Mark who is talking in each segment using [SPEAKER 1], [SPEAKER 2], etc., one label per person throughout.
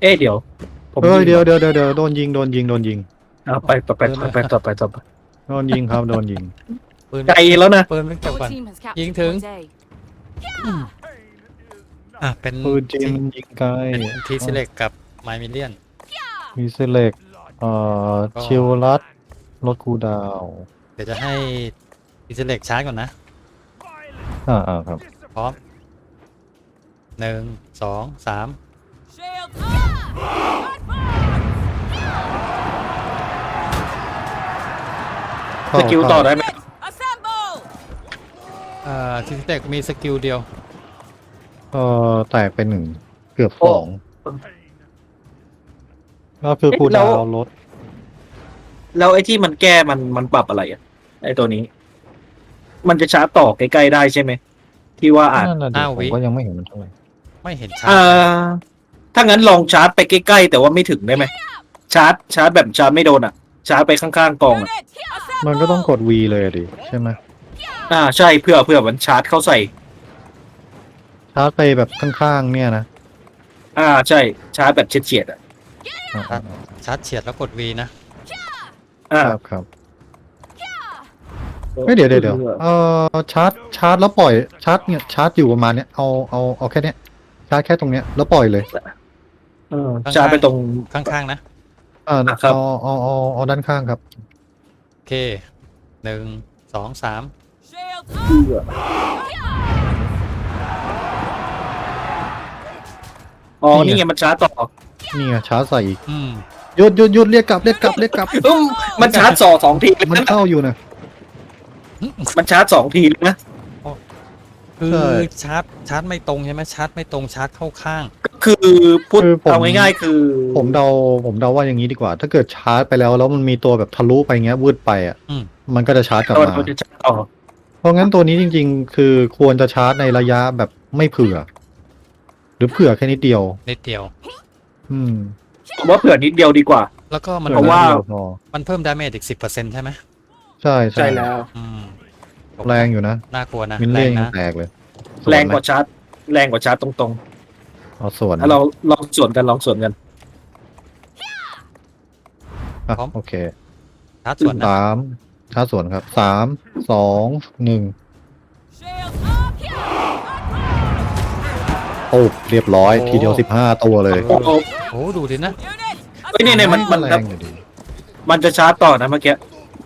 [SPEAKER 1] เดี๋ยวผม
[SPEAKER 2] เฮ้ย
[SPEAKER 1] ยิง
[SPEAKER 2] เดี๋ยวโดนยิงโดนยิง
[SPEAKER 1] เอาไปต่อไป
[SPEAKER 2] โดนยิงครับโดนยิง
[SPEAKER 3] ปืน
[SPEAKER 1] ไกลแล้วนะ
[SPEAKER 3] ปืนไม่จับ
[SPEAKER 4] Your
[SPEAKER 3] ก่อน
[SPEAKER 4] team has captured
[SPEAKER 3] ยิงถึง
[SPEAKER 4] point A.
[SPEAKER 3] เป็น
[SPEAKER 2] ปืนจีนยิงไกล
[SPEAKER 3] เป็นทีซิเล็กกับไมมิเลียน
[SPEAKER 2] มีเซเล็ก
[SPEAKER 3] ก็
[SPEAKER 2] ชิลลัดรถคูดาว
[SPEAKER 3] เดี๋ยวจะให้ทีซิเล็กชาร์จก่อนนะ
[SPEAKER 2] ครับ
[SPEAKER 3] พร้อม1 2 3
[SPEAKER 4] Shield
[SPEAKER 1] สกิลต่อได้ไหม
[SPEAKER 4] assemble.
[SPEAKER 3] ทีซิเล็กมีสกิลเดียว
[SPEAKER 2] แตกไป1เกือบ2ก็คือคูดาวรถ
[SPEAKER 1] แล้วไอ้ที่มันแก้มันปรับอะไรอ่ะไอ้ตัวนี้ มันจะชาร์จต่อใกล้ๆได้ใช่ไหมที่ว่าอ่าน
[SPEAKER 2] นั่นน่ะดิ
[SPEAKER 3] ห้า
[SPEAKER 2] ผ
[SPEAKER 3] วิ
[SPEAKER 2] มก็ยังไม่เห็นมันเท่าไหร่
[SPEAKER 3] ไม่เห็นชา
[SPEAKER 1] เอ่
[SPEAKER 3] ร์จ
[SPEAKER 1] ถ้างั้นลองชาร์จไปใกล้ๆแต่ว่าไม่ถึงได้ไหมชาร์จแบบชาร์จไม่โดนอ่ะ ชาร์จไปข้างๆกองอ่ะ
[SPEAKER 4] Unit
[SPEAKER 2] มันก็ต้องกด V เลยดิใช่ไหม
[SPEAKER 1] ใช่เพื่อมันชาร์จเข้าใส่
[SPEAKER 2] ชาร์จไปแบบข้างๆเนี่ยนะ
[SPEAKER 1] ใช่ชาร์จแบบเฉียดๆอ่ะ
[SPEAKER 3] ชาร์จเฉียดแล้วกด V นะ
[SPEAKER 2] ครับไม่เดี๋ยวชาร์จแล้วปล่อยชาร์จเนี่ยชาร์จอยู่ประมาณเนี้ยเอาแค่เนี้ยชาร์จแค่ตรงเนี้ยแล้วปล่อยเลย
[SPEAKER 1] ชาร์จไปตรง
[SPEAKER 3] ข้างๆนะ
[SPEAKER 1] ครับ
[SPEAKER 2] เอาด้านข้างครับ
[SPEAKER 3] โอเค1 2 3
[SPEAKER 4] shield
[SPEAKER 1] นี่ไงมันชาร์จต่อ
[SPEAKER 2] นี่ไงชาร์จใส่อีก
[SPEAKER 3] อืม
[SPEAKER 2] หยุดเรียกกลับ
[SPEAKER 1] มันชาร์จสองทีเลย
[SPEAKER 2] มัน
[SPEAKER 1] นะ
[SPEAKER 2] เข้าอยู่นะ
[SPEAKER 1] มันชาร์จ2 ทีเลยนะ
[SPEAKER 3] คือ
[SPEAKER 2] ใช่
[SPEAKER 3] ชาร์จไม่ตรงใช่ไหมชาร์จไม่ตรงชาร์จเข้าข้าง
[SPEAKER 1] ก็คือพูด
[SPEAKER 2] คือผม
[SPEAKER 1] เอาง่ายๆคือ
[SPEAKER 2] ผมเดาว่าอย่างนี้ดีกว่า ถ้าเกิดชาร์จไปแล้วมันมีตัวแบบทะลุไปเงี้ยวืดไปอ่ะ
[SPEAKER 3] อืม
[SPEAKER 2] มันก็จะชาร์จกลับ
[SPEAKER 1] ตอน
[SPEAKER 2] มา
[SPEAKER 1] เขาจะชาร์จต่อ
[SPEAKER 2] เพราะงั้นตัวนี้จริงๆ คือควรจะชาร์จในระยะแบบไม่เผื่อ หรือเผื่อแค่นิดเดียว
[SPEAKER 3] นิดเดียว
[SPEAKER 2] อืม
[SPEAKER 1] ผมว่าเผื่อนิดเดียวดีกว่า
[SPEAKER 3] แล้วก็มัน
[SPEAKER 1] เพราะว่า
[SPEAKER 2] ผื่อนิดดียพอ
[SPEAKER 3] มันเพิ่มดาเมจอีก 10%ใช่ไหม
[SPEAKER 2] ใช่
[SPEAKER 1] ใช่แล้ว
[SPEAKER 3] อืม
[SPEAKER 2] แรงอยู่นะ
[SPEAKER 3] น่ากลัวนะ
[SPEAKER 2] มิน
[SPEAKER 3] แร
[SPEAKER 2] เลี่ย
[SPEAKER 3] ง
[SPEAKER 2] งยัง
[SPEAKER 3] นะ
[SPEAKER 2] แตกเลย
[SPEAKER 1] แรงกว่า
[SPEAKER 2] ส่วนไหม
[SPEAKER 1] ชาร์จแรงกว่าชาร์จตรง
[SPEAKER 2] เอาส่วน
[SPEAKER 1] ๆแล้วเราลองส่วนกัน
[SPEAKER 2] อ่ะโอเค
[SPEAKER 3] ชาร์จส่วนนะ
[SPEAKER 2] ชาร์จส่วนครับ3 2 1
[SPEAKER 4] shield
[SPEAKER 2] โอ้เรียบร้อยทีเดียว15 ตัวเลย
[SPEAKER 1] โอ้โห
[SPEAKER 3] โอ้ดูดินะ
[SPEAKER 4] unit
[SPEAKER 1] เฮ้ยเนี่ยมัน
[SPEAKER 2] แรงอยู่ดี
[SPEAKER 1] มันจะชาร์จต่อนะเมื่อกี้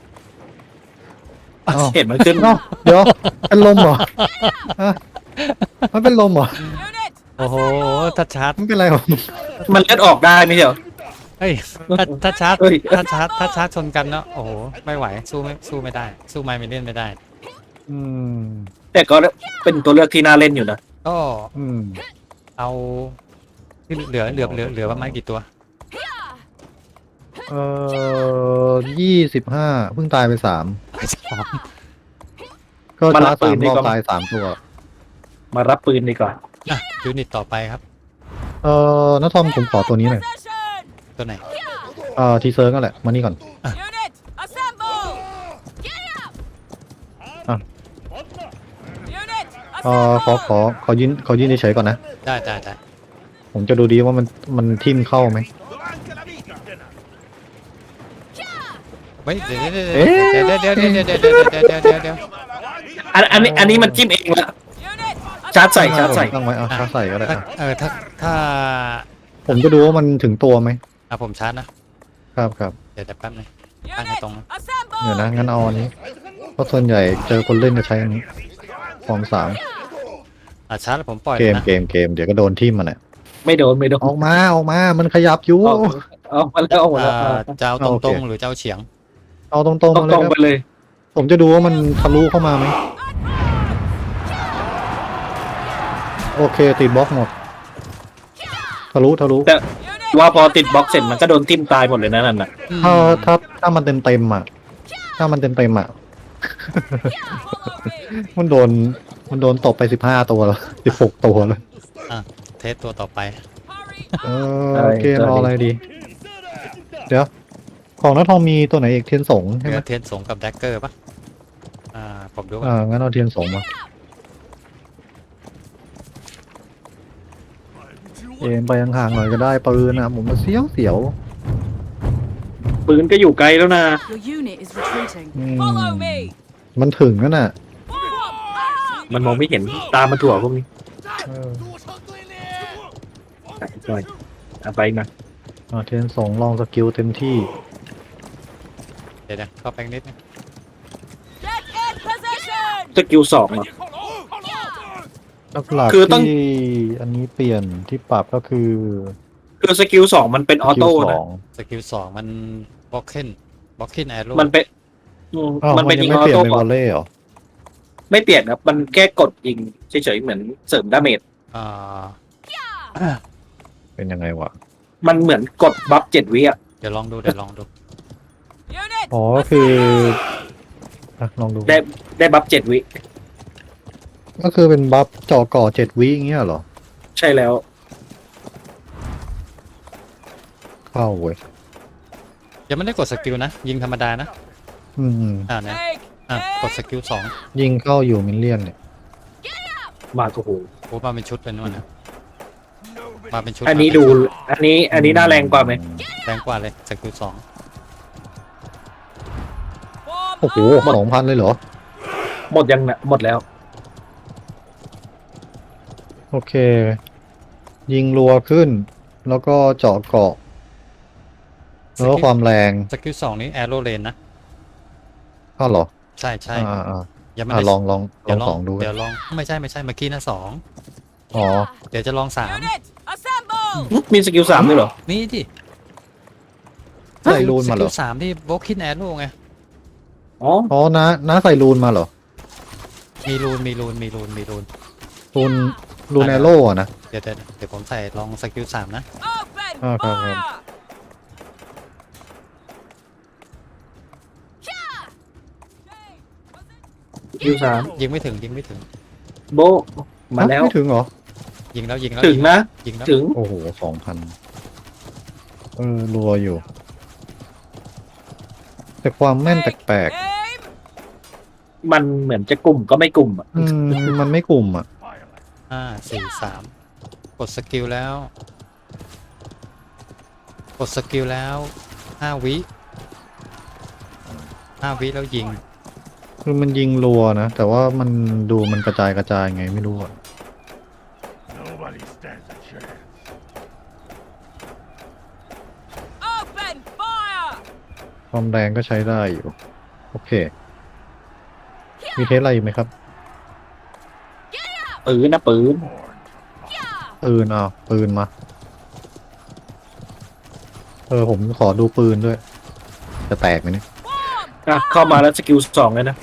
[SPEAKER 2] อ้าว
[SPEAKER 1] เห็นมันขึ้น
[SPEAKER 2] เอ้าเดี๋ยวเป็นลมเหรอฮะมันเป็นลมเหรอ
[SPEAKER 4] unit
[SPEAKER 3] โอ้โหถ้าชาร์จ
[SPEAKER 2] มันเป็นไรของมึง
[SPEAKER 1] มันเลือดออกได้ไม่ใช่เหรอ
[SPEAKER 3] เฮ้ยถ้าชาร์จ
[SPEAKER 1] เฮ้ย
[SPEAKER 3] ถ้าชาร์จชนกันเนาะโอ้โหไม่ไหวสู้ไม่ได้ สู้ไมมิเลียนไม่ได้
[SPEAKER 2] อืม
[SPEAKER 1] แต่ก็เป็นตัวเลือกที่น่าเล่นอยู่นะ
[SPEAKER 3] ก็
[SPEAKER 2] อืม
[SPEAKER 3] เอาที่เหลือประมาณกี่ตัว
[SPEAKER 2] 25เพิ่งตายไป3ก็ชาร์จ3 รอบตาย3 ตัว
[SPEAKER 1] มารับปืนดีกว่า
[SPEAKER 3] อ่ะยูนิตต่อไปครับ
[SPEAKER 2] น้าทอมผมขอตัวนี้หน่อย
[SPEAKER 4] possession
[SPEAKER 3] ตัวไหน
[SPEAKER 2] ทีเซิร์กนั่นแหละมานี่ก่อน
[SPEAKER 4] unit assemble
[SPEAKER 2] อ่ะ
[SPEAKER 4] unit
[SPEAKER 2] ขอยืนเฉยๆก่อนนะ
[SPEAKER 3] ได้
[SPEAKER 2] ผมจะดูดีว่ามันทิ่มเข้าไหม
[SPEAKER 3] เฮ้ยเดี๋ยว
[SPEAKER 2] เอ๊ะ
[SPEAKER 3] เดี๋ยว
[SPEAKER 1] อันนี้มันจิ้มเองละ
[SPEAKER 4] unit
[SPEAKER 1] ชาร์จใส่ชาร์จใส่
[SPEAKER 2] ตั้งไว้ชาร์จใส่ก็ได้
[SPEAKER 3] ถ้า
[SPEAKER 2] ผมจะดูว่ามันถึงตัวไหม
[SPEAKER 3] ผมชาร์จนะครับ
[SPEAKER 2] ครับ
[SPEAKER 3] เดี๋ยวแป๊บนึง ตั้งให้
[SPEAKER 4] unit
[SPEAKER 3] ตรงนะ
[SPEAKER 4] assemble
[SPEAKER 2] เดี๋ยวนะงั้นเอาอันนี้เพราะส่วนใหญ่เจอคนเล่นจะใช้อันนี้ฟอง3
[SPEAKER 3] ชาร์จแล้วผมปล่อย
[SPEAKER 2] เก
[SPEAKER 3] เลย
[SPEAKER 2] ม
[SPEAKER 3] นะ
[SPEAKER 2] เกมเดี๋ยวก็โดนทิ่มมันอ่ะ
[SPEAKER 1] ไม่โดน
[SPEAKER 2] ออกมามันขยับอยู่
[SPEAKER 1] เอามาแล้วเอาหมดแล้ว
[SPEAKER 3] จะเอา
[SPEAKER 2] โอเค
[SPEAKER 3] ตรงๆหรือจะเอาเฉียง
[SPEAKER 2] เอาตรงๆ
[SPEAKER 1] ต
[SPEAKER 2] มาเลย
[SPEAKER 1] รง
[SPEAKER 2] ค
[SPEAKER 1] ๆไป
[SPEAKER 2] รับ
[SPEAKER 1] เลย
[SPEAKER 2] ผมจะดูว่ามันทะลุเข้ามาไหมโอเคติดบล็อกหมดทะลุ
[SPEAKER 1] แต่ว่าพอติดบล็อกเสร็จมันก็โดนทิ่มตายหมดเลยนะนั่นน่ะ
[SPEAKER 2] ถ้ามันเต็มอ่ะ มันโดนตบไป15 ตัวแล้ว16 ตัวแล้ว
[SPEAKER 3] เทสตัวต่อไป
[SPEAKER 2] เกมเอาอะไรดี เดี๋ยว ของน้าทองมีตัวไหนอีกเทียนสงใช่ไหม
[SPEAKER 3] เทสสงกับแดกเกอร์ปะผมดูว่า
[SPEAKER 2] งั้นเอาเทียนสงมาเอ็มไปห่างๆหน่อยก็ได้ปืนนะผมมาเสียว
[SPEAKER 1] ปืนก็อยู่ไกลแล้วนะ
[SPEAKER 5] Your unit is retreating.
[SPEAKER 2] อืม
[SPEAKER 4] Follow me.
[SPEAKER 2] มันถึงนั่นน่ะ
[SPEAKER 4] Warm up.
[SPEAKER 1] มันมองไม่เห็นตามมาถั่วพวกนี้
[SPEAKER 2] เออ
[SPEAKER 1] ไปก่อนเอาไปมา
[SPEAKER 2] เทนสองลองสกิลเต็มที่
[SPEAKER 3] เดี๋ยวเข้าไปนิดนึง
[SPEAKER 4] Get in position.
[SPEAKER 1] สกิล2เหรอ
[SPEAKER 2] หลัก
[SPEAKER 1] คือ
[SPEAKER 2] ๆ
[SPEAKER 1] ต้อง
[SPEAKER 2] ที่อันนี้เปลี่ยนที่ปรับก็คือ
[SPEAKER 1] คือสกิล2มันเป็นออโต้
[SPEAKER 2] สกิลส
[SPEAKER 1] นะ
[SPEAKER 2] อง
[SPEAKER 3] สกิล2มันบล็อกเคนบล็อกเคนแอโร่
[SPEAKER 1] มันเป็น
[SPEAKER 2] อ้าว
[SPEAKER 1] มัน
[SPEAKER 2] มั
[SPEAKER 1] เป็น น
[SPEAKER 2] ยั
[SPEAKER 1] ยิ
[SPEAKER 2] ง
[SPEAKER 1] ง
[SPEAKER 2] ไม่
[SPEAKER 1] ออ
[SPEAKER 2] เปลี่ยน
[SPEAKER 1] โต้
[SPEAKER 2] เป็น
[SPEAKER 1] ก่
[SPEAKER 2] ว
[SPEAKER 1] อ
[SPEAKER 2] อน ลเล่เหรอ
[SPEAKER 1] ไม่เปลี่ยนครับมันแค่กดยิงเฉยๆเหมือนเสริมดาเมจ
[SPEAKER 3] อ่า
[SPEAKER 2] เป็นยังไงวะ
[SPEAKER 1] มันเหมือนกดบัฟ7 วิอ่ะ
[SPEAKER 3] เดี๋ยวลองดู
[SPEAKER 4] Unit.
[SPEAKER 2] อ๋อก็คือลองดู
[SPEAKER 1] ได้บัฟ7 วิ
[SPEAKER 2] ก็คือเป็นบัฟเจาะก่อ7 วิอย่างเงี้ยเหรอ
[SPEAKER 1] ใช่แล้ว
[SPEAKER 2] เข้าเว้ย
[SPEAKER 3] ยังไม่ได้กดสกิลนะ ยิงธรรมดานะ
[SPEAKER 2] อืม
[SPEAKER 3] เนี่ย
[SPEAKER 4] Take
[SPEAKER 3] กดสกิล2
[SPEAKER 2] ยิงเข้าอยู่มิลเลียนเนี่ย
[SPEAKER 1] มาโอ้โห
[SPEAKER 3] โอ้มาเป็นชุดเป็นนู่นนะมาเป็นชุด
[SPEAKER 1] อันนี้ดูอันนี้น่าแรงกว่าไหม
[SPEAKER 3] แรงกว่าเลยสกิล2
[SPEAKER 4] Form
[SPEAKER 2] โอ้โห
[SPEAKER 4] up.
[SPEAKER 2] 2,000เลยเหรอ
[SPEAKER 1] หมดยังนะหมดแล้ว
[SPEAKER 2] โอเค ยิงรัวขึ้น แล้วก็เจาะเกาะ แล้วก็ความแรง
[SPEAKER 3] สกิล2นี้แอโร่เลนนะ
[SPEAKER 2] อ้าวเหรอ
[SPEAKER 3] ใช่
[SPEAKER 2] อ่า
[SPEAKER 3] ยังไม่
[SPEAKER 2] อ่า
[SPEAKER 3] ได้
[SPEAKER 2] ลอง
[SPEAKER 3] เดี๋ยว
[SPEAKER 2] สองดู
[SPEAKER 3] เดี๋ยวลองไม่ใช่เมื่อกี้นะ2
[SPEAKER 2] อ๋อ
[SPEAKER 3] เดี๋ยวจะลอง3
[SPEAKER 4] Unit. Assemble.
[SPEAKER 1] มีสกิล3ด้วยเหรอ
[SPEAKER 3] นี่ดิ
[SPEAKER 2] ใส่รูนมาเหรอ
[SPEAKER 3] สกิล3ที่บล็อกคินแอโร่ไง
[SPEAKER 1] อ๋อ
[SPEAKER 2] อ๋อน้าใส่รูนมาเหรอ
[SPEAKER 3] มีรูน
[SPEAKER 2] รูนแอโร่อะนะ
[SPEAKER 3] เดี๋ยวผมใส่ลองสกิล3นะ
[SPEAKER 4] Open
[SPEAKER 2] Oh, come
[SPEAKER 4] fire.
[SPEAKER 1] สกิล3
[SPEAKER 3] ยิงไม่ถึง
[SPEAKER 1] โบะมาแล้ว
[SPEAKER 2] ไม่ถึงเหรอ
[SPEAKER 3] ยิงแล้ว
[SPEAKER 1] ถึงนะ
[SPEAKER 3] ยิงแล้ว
[SPEAKER 1] ถึง
[SPEAKER 2] โอ้โห 2,000รัวอยู่ แต่ความแม่นแปลก
[SPEAKER 4] Aim.
[SPEAKER 1] มันเหมือนจะกลุ่มก็ไม่กลุ่มอ่ะ
[SPEAKER 2] ๆมันไม่กลุ่มอ่ะ
[SPEAKER 3] 5 4 3กดสกิลแล้ว 5 วิแล้วยิง
[SPEAKER 2] คือมันยิงรัวนะ แต่ว่ามันดูมันกระจายไงไม่รู้อ่ะ
[SPEAKER 4] Open fire.
[SPEAKER 2] ความแรงก็ใช้ได้อยู่ โอเค มีเทสอะไรอีกไหมครับ
[SPEAKER 1] ปืนนะปืน
[SPEAKER 2] ปืนมา ผมขอดูปืนด้วย จะแตกไหมเนี่ย
[SPEAKER 4] Form.
[SPEAKER 1] อ่ะเข้ามาแล้วสกิล2เลยนะ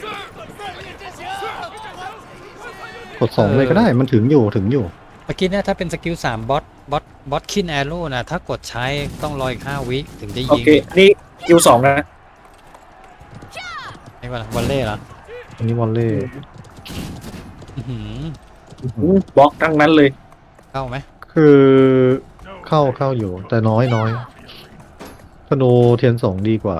[SPEAKER 2] กด2เลยก็ได้ มันถึงอยู่
[SPEAKER 3] เมื่อกี้เนี่ยถ้าเป็นสกิล3บอสคินแอโร่นะถ้ากดใช้ต้องรออีก5 วิถึงจะ
[SPEAKER 1] โอ
[SPEAKER 3] ยิง
[SPEAKER 1] เคนี่สกิล2นะ
[SPEAKER 3] นี่ว่าวันเล่เหรอ
[SPEAKER 2] อันนี้วอลเล่
[SPEAKER 3] อื้อหือบ
[SPEAKER 1] ล็อกทั้งนั้นเลย
[SPEAKER 3] เข้าไหม
[SPEAKER 2] คือเข้าอยู่ แต่น้อยธนูเทียน2ดีกว่า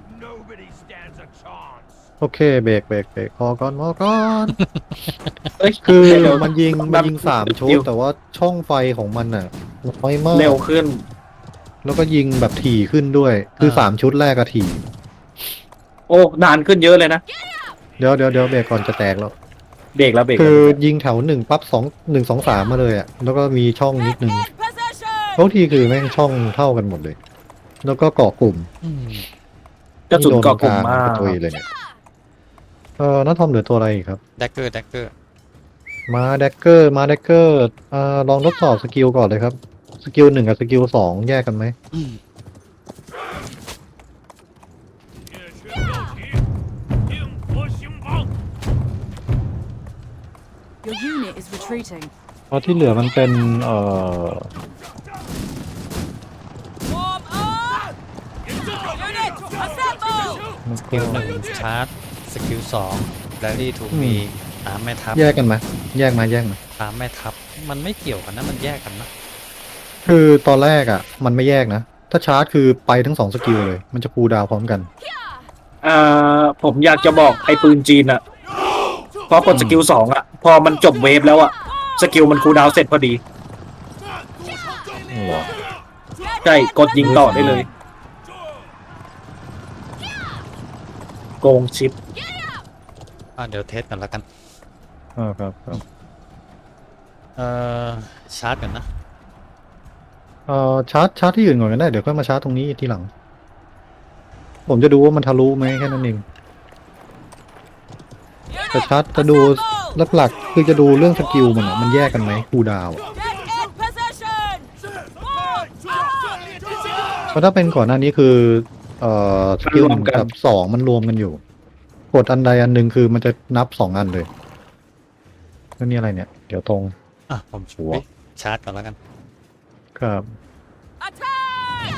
[SPEAKER 2] โอเคเบรกพอก่อน
[SPEAKER 1] เอ้ย
[SPEAKER 2] คือ
[SPEAKER 1] เดี๋ยว
[SPEAKER 2] มันยิง3ชุดแต่ว่าช่องไฟของมันน่ะน้อยมาก
[SPEAKER 1] เร็วขึ้น
[SPEAKER 2] แล้วก็ยิงแบบถี่ขึ้นด้วย คือ3ชุดแรกอะถี่
[SPEAKER 1] โอ้นานขึ้นเยอะเลยนะ
[SPEAKER 2] เดี๋ยวเบรกก่อนจะแตกแล้ว
[SPEAKER 1] เบรกแล้วเบรก
[SPEAKER 2] คือ
[SPEAKER 1] แล้ว
[SPEAKER 2] ยิงแถว1ปั๊บ1 2 3มาเลยอะแล้วก็มีช่องนิดนึง
[SPEAKER 4] In position.
[SPEAKER 2] ทุกทีคือแม่งช่องเท่ากันหมดเลย แล้วก็เกาะกลุ่ม
[SPEAKER 3] อืม
[SPEAKER 1] กระสุนเกาะกลุ่มมาก
[SPEAKER 2] ตัวเลยเนี่ยน้าทอมเหลือตัวอะไรอีกครับ
[SPEAKER 3] แดกเกอร์
[SPEAKER 2] มาแดกเกอร์ลองทดสอบสกิลก่อนเลยครับ สกิล1กับสกิล2แยกกันไหม
[SPEAKER 5] Your unit is retreating.
[SPEAKER 2] เพราะที่เหลือมันเป็น
[SPEAKER 4] Form up. Unit. Assemble.
[SPEAKER 3] สกิล1ชาร์จสกิล2แรลลี่ถูกมี3แม่ทัพ
[SPEAKER 2] แยกกันไหมแยกมา
[SPEAKER 3] 3แม่ทัพมันไม่เกี่ยวกันนะมันแยกกันนะ
[SPEAKER 2] คือตอนแรกอ่ะ มันไม่แยกนะ ถ้าชาร์จคือไปทั้ง2สกิลเลย มันจะคูลดาวน์พร้อมกัน
[SPEAKER 1] ผมอยากจะบอกไอ้ปืนจีนอะพอกดสกิล2อะพอมันจบเวฟแล้วอะสกิลมันคูลดาวน์เสร็จพอดี
[SPEAKER 2] เหรอ
[SPEAKER 1] ใช่กดยิงต่อได้เลย โกงชิป
[SPEAKER 3] เดี๋ยวเทสกันแล้วกัน
[SPEAKER 2] ครับครับ
[SPEAKER 3] ชาร์จกันนะ
[SPEAKER 2] ชาร์จที่อื่นก่อนก็ได้เดี๋ยวค่อยมาชาร์จตรงนี้ทีหลัง ผมจะดูว่ามันทะลุไหมแค่นั้นเอง แต่ชาร์จจะดูหลักๆคือจะดูเรื่องสกิลมันอะมันแยกกันไหมคูลดาวน์อะ
[SPEAKER 4] Get in position. Warm up.
[SPEAKER 2] เพราะถ้าเป็นก่อนหน้านี้คือสกิล
[SPEAKER 1] มันรวมกัน
[SPEAKER 2] กับสองมันรวมกันอยู่ กดอันใดอันหนึ่งคือมันจะนับ2 อันเลยแล้วนี่อะไรเนี่ย เดี๋ยวตรง
[SPEAKER 3] ผม
[SPEAKER 2] หัว
[SPEAKER 3] ชาร์จก่อนแล้วกัน
[SPEAKER 2] ครับ
[SPEAKER 4] Attack.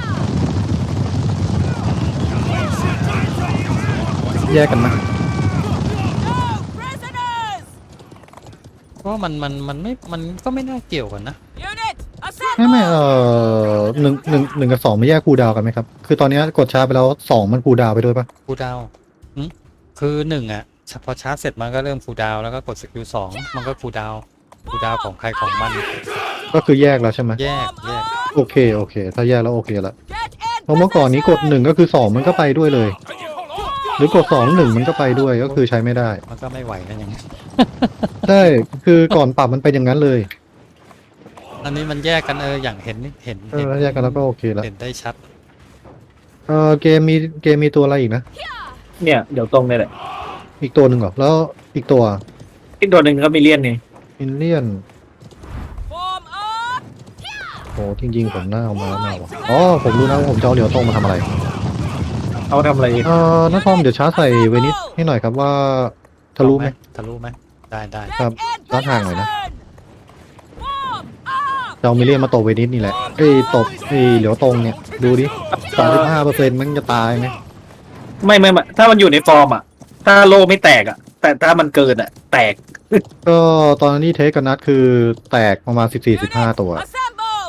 [SPEAKER 2] แยกกันนะ
[SPEAKER 4] No prisoners.
[SPEAKER 3] เพราะมันก็ไม่น่าเกี่ยวกันนะ
[SPEAKER 4] Unit
[SPEAKER 2] ไม่
[SPEAKER 4] assemble.
[SPEAKER 2] หนึ่งกับ 2ไม่แยกคูลดาวน์กันไหมครับ คือตอนนี้กดชาร์จไปแล้ว2มันคูลดาวน์ไปด้วยปะ
[SPEAKER 3] ฟูลดาวน์คือหนึ่งอ่ะพอชาร์จเสร็จมันก็เริ่มฟูลดาวน์แล้วก็กดสกิล2มันก็ฟูลดาวน์ของใครของมัน
[SPEAKER 2] ก็คือแยกแล้วใช่ไหม
[SPEAKER 3] แยก
[SPEAKER 2] โอเค ถ้าแยกแล้วโอเคละ
[SPEAKER 4] Get in
[SPEAKER 2] เพราะเมื่อก่อนนี้กด 1ก็คือ2มันก็ไปด้วยเลย หรือกด2 1มันก็ไปด้วยก็คือใช้ไม่ได้
[SPEAKER 3] มันก็ไม่ไหวกันอย่างนี้
[SPEAKER 2] ใช่คือก่อนปรับมันเป็นอย่างนั้นเลย
[SPEAKER 3] อันนี้มันแยกกันอย่างเห็น
[SPEAKER 2] แยกกันแล้วก็โอเคแล้ว
[SPEAKER 3] เห็นได้ชัด
[SPEAKER 2] เกมมีตัวอะไรอีกนะ
[SPEAKER 1] เนี่ยเดี๋ยวตรงนี่แหละ
[SPEAKER 2] อีกตัวหนึ่งเหรอแล้วอีกตัว
[SPEAKER 1] อีกตัวหนึ่งก็มีเลียนนี่
[SPEAKER 2] มินเลียน
[SPEAKER 4] Form up.
[SPEAKER 2] โอ้จริงๆผมน่าเอามาว่ะอ๋อผมรู้นะว่าผมจะเอาเหลียวตรงมาทำอะไร
[SPEAKER 1] เอาทำอะไร
[SPEAKER 2] น้าทอมเดี๋ยวชาร์จใส่เวนิสให้หน่อยครับว่าทะลุไหม
[SPEAKER 3] ทะลุไหมได้
[SPEAKER 2] ครับ
[SPEAKER 4] In
[SPEAKER 2] ร้านห่างหน่อยนะ
[SPEAKER 4] position. Warm up.
[SPEAKER 2] จะเอามิลเลียนมาตบเวนิสนี่แหละตบเหลียวตรงเนี่ยดูดิ35%มันจะตายไหม
[SPEAKER 1] ไม่ถ้ามันอยู่ในฟอร์มอ่ะ ถ้าโลไม่แตกอ่ะ แต่ถ้ามันเกินอ่ะ แตก
[SPEAKER 2] ก็ตอนนี้เทสกับนัดคือแตกประมาณ14-15 ตัว
[SPEAKER 4] Assemble.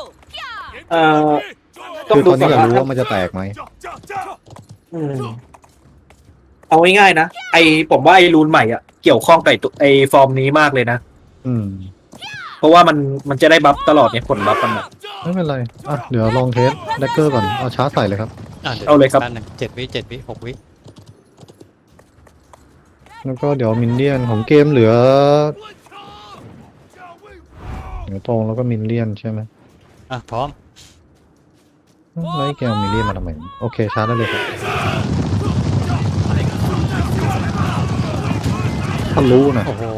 [SPEAKER 1] ต้อง
[SPEAKER 2] คือ
[SPEAKER 1] ดู
[SPEAKER 2] ตอนนี้
[SPEAKER 1] ก่
[SPEAKER 2] อยาก
[SPEAKER 1] อน
[SPEAKER 2] รู้
[SPEAKER 1] นะ
[SPEAKER 2] ว่ามันจะแตกไหม
[SPEAKER 1] อืมเอาง่ายๆนะผมว่าไอ้รูนใหม่อ่ะเกี่ยวข้องกับไอ้ฟอร์มนี้มากเลยนะ
[SPEAKER 2] อืม
[SPEAKER 1] เพราะว่ามันจะได้บัฟตลอดเนี่ยผลบัฟมันอะ
[SPEAKER 2] ไม่เป็นไรเดี๋ยวลองเทสแดกเกอร์ก่อนเอาชาร์จใส่เลยครับ
[SPEAKER 3] ดี๋ว
[SPEAKER 1] เอาเลยครับ
[SPEAKER 3] แป๊หนึ่ง7 วิ6 วิ
[SPEAKER 2] แล้วก็เดี๋ยวมินเลียนของเกมเหลือตรงแล้วก็มินเลียนใช่ไหม
[SPEAKER 3] พร้อม
[SPEAKER 2] ไล่แกวมินเลียนมาทำไมโอเคชาร์จได้เลยครับทะลุนะ
[SPEAKER 3] โอ้โห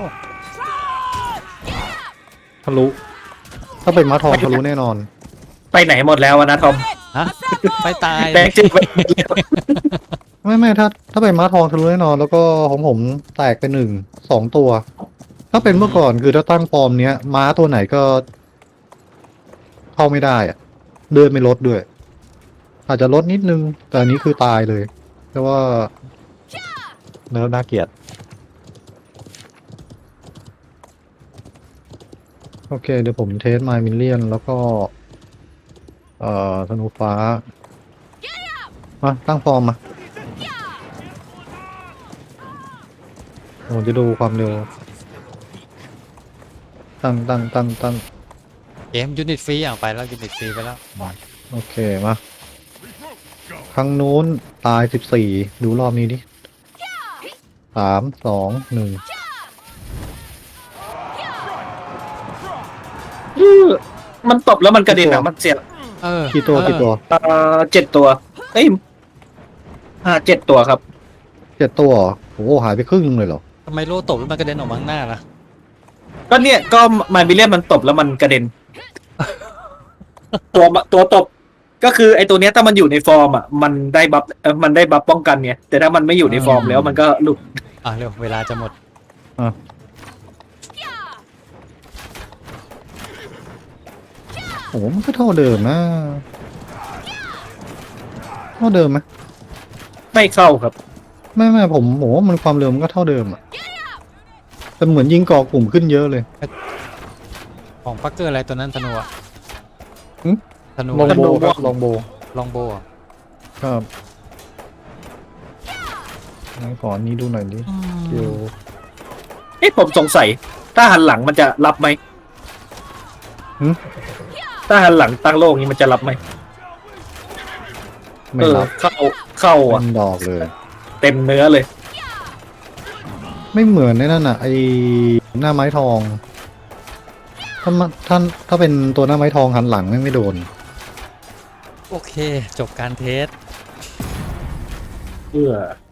[SPEAKER 2] ทะลุถ้าเป็นม้าทองทะลุแน่นอน
[SPEAKER 1] ไปไหนหมดแล้วอะนะทอม
[SPEAKER 3] ฮะไปตาย
[SPEAKER 1] แบงค์จืดไป
[SPEAKER 2] ไม่ถ้าเป็นม้าทองทะลุแน่นอน แล้วก็ของผมแตกไป2 ตัว ถ้าเป็นเมื่อก่อนคือถ้าตั้งฟอร์มเนี้ยม้าตัวไหนก็ เข้าไม่ได้อะเดินไม่ลดด้วย อาจจะลดนิดนึง แต่อันนี้คือตายเลยแต่ว่าแล้วน่าเกลียดโอเคเดี๋ยวผมเทสไมมิลเลียนแล้วก็ธนูฟ้ามาตั้งฟอร์มมาผมจะดูความเร็วตั้ง
[SPEAKER 3] เกมยูนิตฟรีไปแล้วยูนิตฟรีไปแล้ว
[SPEAKER 2] โอเคมาครั้งนู้นตาย14ดูรอบนี้ดิ3 2 1
[SPEAKER 1] มันตบแล้วมันกระเด็นอ่ะมันเสีย
[SPEAKER 2] กี่ตัว
[SPEAKER 1] 7 ตัวเอ้ย7 ตัวครับ
[SPEAKER 2] 7 ตัวเหรอโอ้โหหายไปครึ่งนึงเลยเหรอ
[SPEAKER 3] ทำไมโล่ตบแล้วมันกระเด็นออกมาข้างหน้าล่ะ
[SPEAKER 1] ก็เนี่ยก็มาบิเลียนมันตบแล้วมันกระเด็น ตัวตบ ก็คือไอ้ตัวเนี้ยถ้ามันอยู่ในฟอร์มอ่ะมันได้บัฟป้องกันเนี่ยแต่ถ้ามันไม่อยู่ในฟอร์มแล้วมันก็หลุด
[SPEAKER 3] เร็วเวลาจะหมด
[SPEAKER 2] โอ้โหมันก็เท่าเดิมนะเท่าเดิมไหม
[SPEAKER 1] ไม่เข้าครับ
[SPEAKER 2] ไม่ผมว่ามันความเร็วมันก็เท่าเดิมอะแต่เหมือนยิงก่อกลุ่มขึ้นเยอะเลย
[SPEAKER 3] ของปักเกอร์อะไรตัวนั้นธนูอะ
[SPEAKER 2] หึ
[SPEAKER 3] ธนู
[SPEAKER 2] ลองโบ
[SPEAKER 1] ธนู
[SPEAKER 2] ครับลองโบ
[SPEAKER 3] ลองโบอะ
[SPEAKER 2] ครับงั้นขออันนี้ดูหน่อยดิเกียว
[SPEAKER 1] ผมสงสัยถ้าหันหลังมันจะรับไหมถ้าหันหลังตั้งโลกนี้มันจะรับไหม
[SPEAKER 2] ไม่รับ
[SPEAKER 1] เข้า
[SPEAKER 2] เป็
[SPEAKER 1] อ่ะ
[SPEAKER 2] นดอกเลย
[SPEAKER 1] เต็มเนื้อเลย
[SPEAKER 2] ไม่เหมือนในนั่นอ่ะไอหน้าไม้ทอง ถ้าเป็นตัวหน้าไม้ทองหันหลังไม่โดน
[SPEAKER 3] โอเค จบการเทส
[SPEAKER 1] เพื่อ